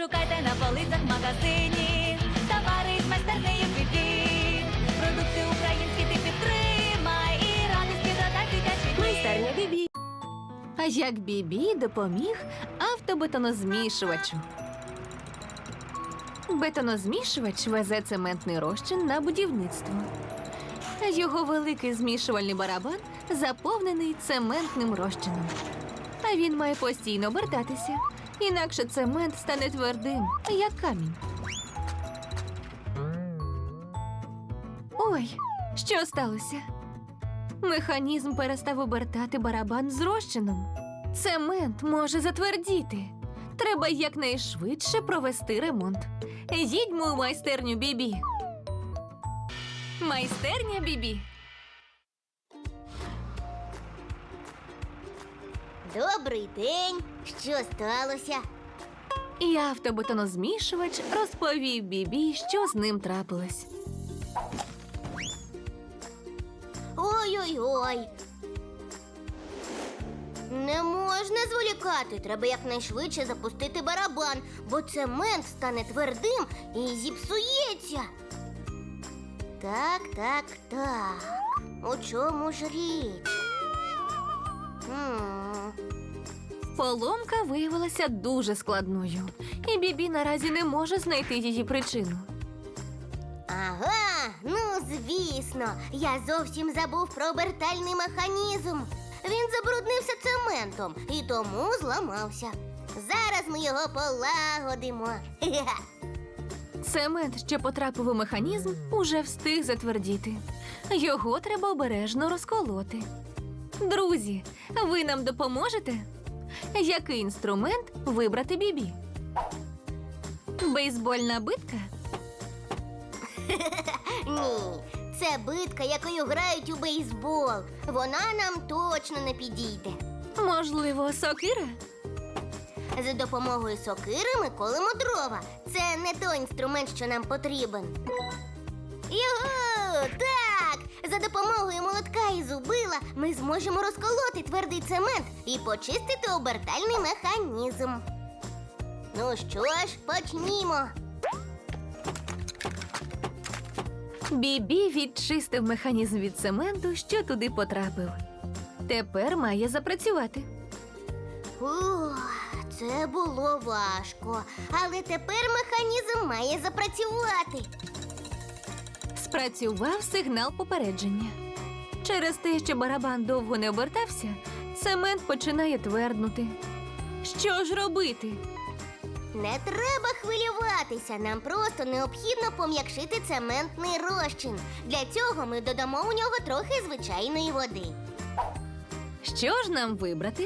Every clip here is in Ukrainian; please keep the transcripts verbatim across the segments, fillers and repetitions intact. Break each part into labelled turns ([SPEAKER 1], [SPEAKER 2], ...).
[SPEAKER 1] шукайте на полицях в магазині. Товари з майстернею Бібі. Продукти українські ти підтримай. І радості додай дитячий дім.
[SPEAKER 2] Майстерня Бібі.
[SPEAKER 3] А як Бібі допоміг автобетонозмішувачу. Бетонозмішувач везе цементний розчин на будівництво. Його великий змішувальний барабан заповнений цементним розчином. А він має постійно обертатися, інакше цемент стане твердим, як камінь. Ой, що сталося? Механізм перестав обертати барабан з розчином. Цемент може затвердіти. Треба якнайшвидше провести ремонт. Їдьмо у майстерню Бібі. Майстерня Бібі.
[SPEAKER 2] Добрий день. Що сталося?
[SPEAKER 3] І автобетонозмішувач розповів Бібі, що з ним трапилось.
[SPEAKER 2] Ой-ой-ой. Не можна зволікати. Треба якнайшвидше запустити барабан, бо цемент стане твердим і зіпсується. Так, так, так. У чому ж річ? Хм.
[SPEAKER 3] Поломка виявилася дуже складною, і Бібі наразі не може знайти її причину.
[SPEAKER 2] Ага, ну звісно, я зовсім забув про обертальний механізм. Він забруднився цементом і тому зламався. Зараз ми його полагодимо. Хе-хе.
[SPEAKER 3] Цемент, що потрапив у механізм, уже встиг затвердіти. Його треба обережно розколоти. Друзі, ви нам допоможете? Який інструмент вибрати Бібі? Бейсбольна битка?
[SPEAKER 2] Ні, це битка, якою грають у бейсбол. Вона нам точно не підійде.
[SPEAKER 3] Можливо, сокира?
[SPEAKER 2] За допомогою сокири ми колемо дрова. Це не той інструмент, що нам потрібен. Його! Так! За допомогою молотка і зубила ми зможемо розколоти твердий цемент і почистити обертальний механізм. Ну що ж, почнімо.
[SPEAKER 3] Бібі відчистив механізм від цементу, що туди потрапив. Тепер має запрацювати.
[SPEAKER 2] Ух, це було важко. Але тепер механізм має запрацювати.
[SPEAKER 3] Спрацював сигнал попередження. Через те, що барабан довго не обертався, цемент починає тверднути. Що ж робити?
[SPEAKER 2] Не треба хвилюватися, нам просто необхідно пом'якшити цементний розчин. Для цього ми додамо у нього трохи звичайної води.
[SPEAKER 3] Що ж нам вибрати?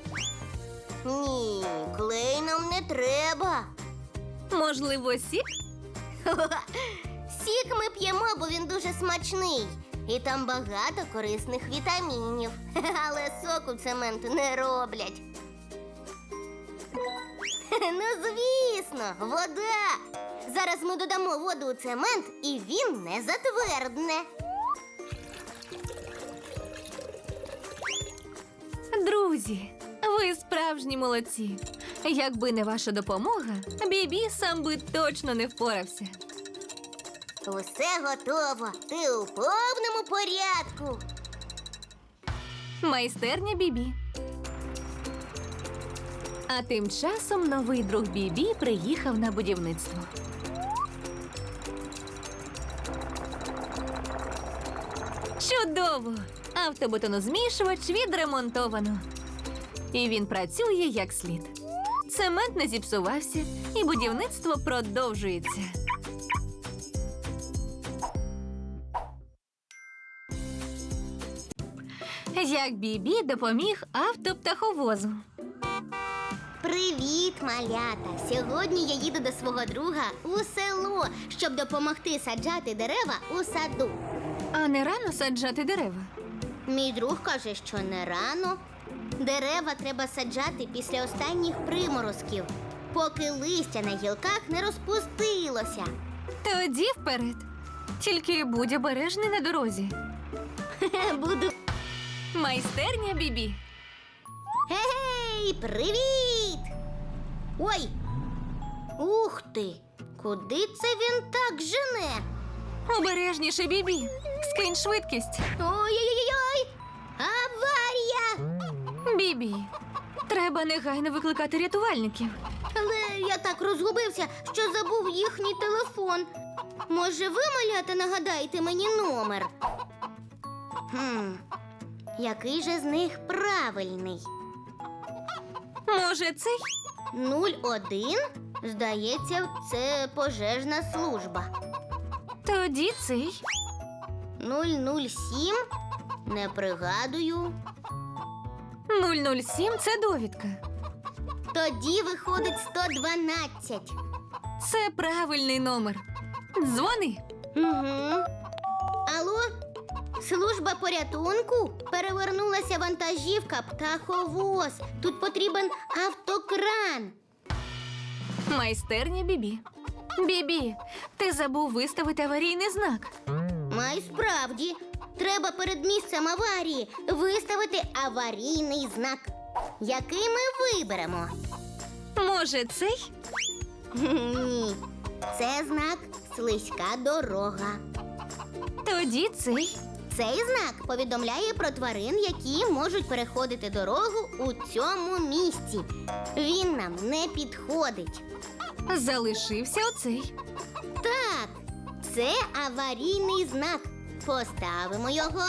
[SPEAKER 2] Ні, клей нам не треба.
[SPEAKER 3] Можливо, сік?
[SPEAKER 2] Сік ми п'ємо, бо він дуже смачний. І там багато корисних вітамінів. Але соку цементу не роблять. Ну, звісно, вода. Зараз ми додамо воду у цемент, і він не затвердне.
[SPEAKER 3] Друзі, ви справжні молодці. Якби не ваша допомога, Бібі сам би точно не впорався.
[SPEAKER 2] Усе готово. Ти у повному порядку.
[SPEAKER 3] Майстерня Бібі. А тим часом новий друг Бібі приїхав на будівництво. Чудово! Автобетонозмішувач відремонтовано. І він працює як слід. Цемент не зіпсувався, і будівництво продовжується. Як Бібі допоміг автоптаховозу.
[SPEAKER 2] Привіт, малята! Сьогодні я їду до свого друга у село, щоб допомогти саджати дерева у саду.
[SPEAKER 3] А не рано саджати дерева?
[SPEAKER 2] Мій друг каже, що не рано. Дерева треба саджати після останніх приморозків, поки листя на гілках не розпустилося.
[SPEAKER 3] Тоді вперед. Тільки будь обережний на дорозі.
[SPEAKER 2] Буду.
[SPEAKER 3] Майстерня Бібі.
[SPEAKER 2] Гей, привіт! Ой! Ух ти! Куди це він так жене?
[SPEAKER 3] Обережніше, Бібі. Скинь швидкість.
[SPEAKER 2] Ой-ой-ой! Аварія!
[SPEAKER 3] Бібі, треба негайно викликати рятувальників.
[SPEAKER 2] Але я так розгубився, що забув їхній телефон. Може, ви, малята, нагадаєте мені номер? Хм, який же з них правильний?
[SPEAKER 3] Може, цей?
[SPEAKER 2] нуль один? Здається, це пожежна служба.
[SPEAKER 3] Тоді цей.
[SPEAKER 2] нуль нуль сім? Не пригадую.
[SPEAKER 3] нуль нуль сім – це довідка.
[SPEAKER 2] Тоді виходить сто дванадцять.
[SPEAKER 3] Це правильний номер. Дзвони.
[SPEAKER 2] Угу. Алло? Служба порятунку? Перевернулася вантажівка птаховоз. Тут потрібен автокран.
[SPEAKER 3] Майстерня Бібі. Бібі, ти забув виставити аварійний знак.
[SPEAKER 2] Май справді. Треба перед місцем аварії виставити аварійний знак. Який ми виберемо?
[SPEAKER 3] Може, цей?
[SPEAKER 2] Ні. Це знак «Слизька дорога».
[SPEAKER 3] Тоді цей.
[SPEAKER 2] Цей знак повідомляє про тварин, які можуть переходити дорогу у цьому місці. Він нам не підходить.
[SPEAKER 3] Залишився оцей.
[SPEAKER 2] Так, це аварійний знак. Поставимо його.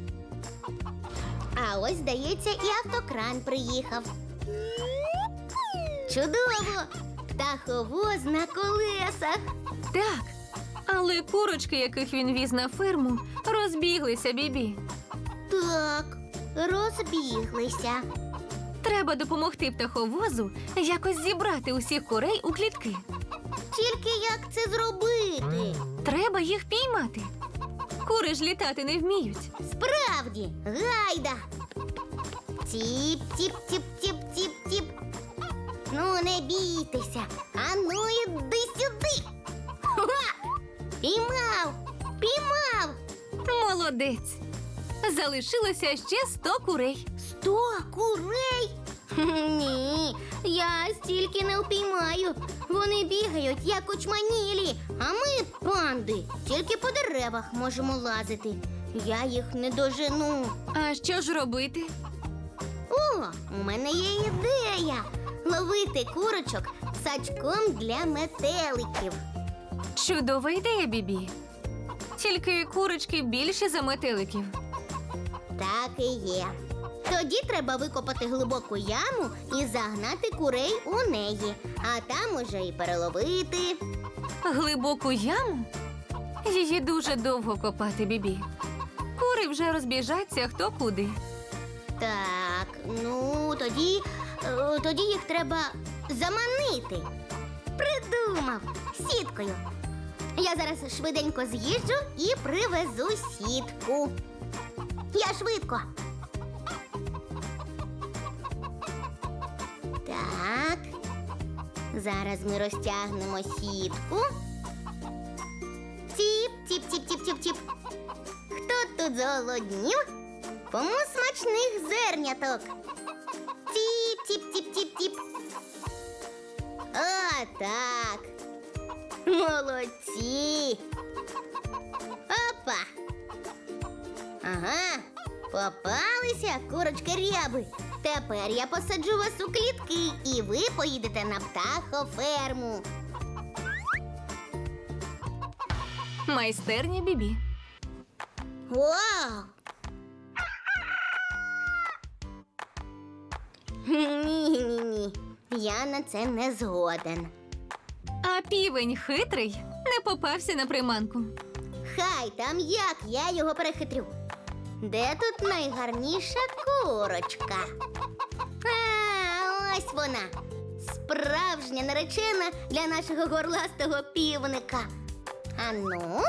[SPEAKER 2] А ось, здається, і автокран приїхав. Чудово! Птаховоз на колесах.
[SPEAKER 3] Так. Але курочки, яких він віз на ферму, розбіглися, Бібі.
[SPEAKER 2] Так, розбіглися.
[SPEAKER 3] Треба допомогти птаховозу якось зібрати усіх курей у клітки.
[SPEAKER 2] Тільки як це зробити?
[SPEAKER 3] Треба їх піймати. Кури ж літати не вміють.
[SPEAKER 2] Справді, гайда. Тіп, тіп, тіп, тіп, тіп, тіп. Ну, не бійтеся. Ану, іди сюди. Ха! Піймав! Піймав!
[SPEAKER 3] Молодець. Залишилося ще сто курей.
[SPEAKER 2] Сто курей? Хм, Ні, я стільки не впіймаю. Вони бігають, як очманілі, а ми, панди, тільки по деревах можемо лазити. Я їх не дожену.
[SPEAKER 3] А що ж робити?
[SPEAKER 2] О, у мене є ідея. Ловити курочок сачком для метеликів.
[SPEAKER 3] Чудова ідея, Бібі. Тільки курочки більші за метеликів.
[SPEAKER 2] Так і є. Тоді треба викопати глибоку яму і загнати курей у неї, а там уже і переловити.
[SPEAKER 3] Глибоку яму? Її дуже довго копати, Бібі. Кури вже розбіжаться хто куди.
[SPEAKER 2] Так, ну тоді, е, тоді їх треба заманити. Придумав сіткою. Я зараз швиденько з'їжджу і привезу сітку. Я швидко. Так. Зараз ми розтягнемо сітку. Тіп, тіп, тіп, тіп, тіп, тіп. Хто тут зголоднів? Кому смачних зерняток? Тіп, тіп, тіп, тіп, тіп. О, так. Молодці. Опа. Ага, попалися курочки ряби. Тепер я посаджу вас у клітки, і ви поїдете на птахоферму.
[SPEAKER 3] Майстерня Бібі.
[SPEAKER 2] Вау! Ні-ні-ні, я на це не згоден.
[SPEAKER 3] А півень хитрий не попався на приманку.
[SPEAKER 2] Хай там як, я його перехитрю. Де тут найгарніша курочка? А, ось вона. Справжня наречена для нашого горластого півника. Ану.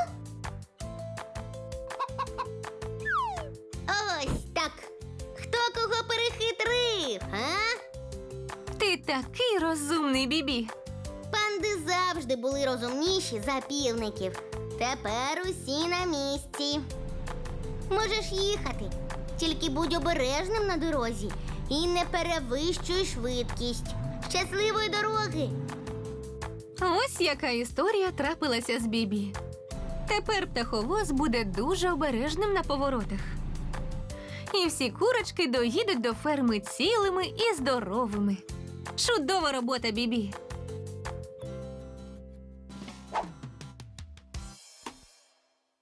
[SPEAKER 2] Ось так. Хто кого перехитрив, а?
[SPEAKER 3] Ти такий розумний, Бібі.
[SPEAKER 2] Панди завжди були розумніші за півників. Тепер усі на місці. Можеш їхати, тільки будь обережним на дорозі і не перевищуй швидкість. Щасливої дороги!
[SPEAKER 3] Ось яка історія трапилася з Бібі. Тепер птаховоз буде дуже обережним на поворотах. І всі курочки доїдуть до ферми цілими і здоровими. Чудова робота, Бібі!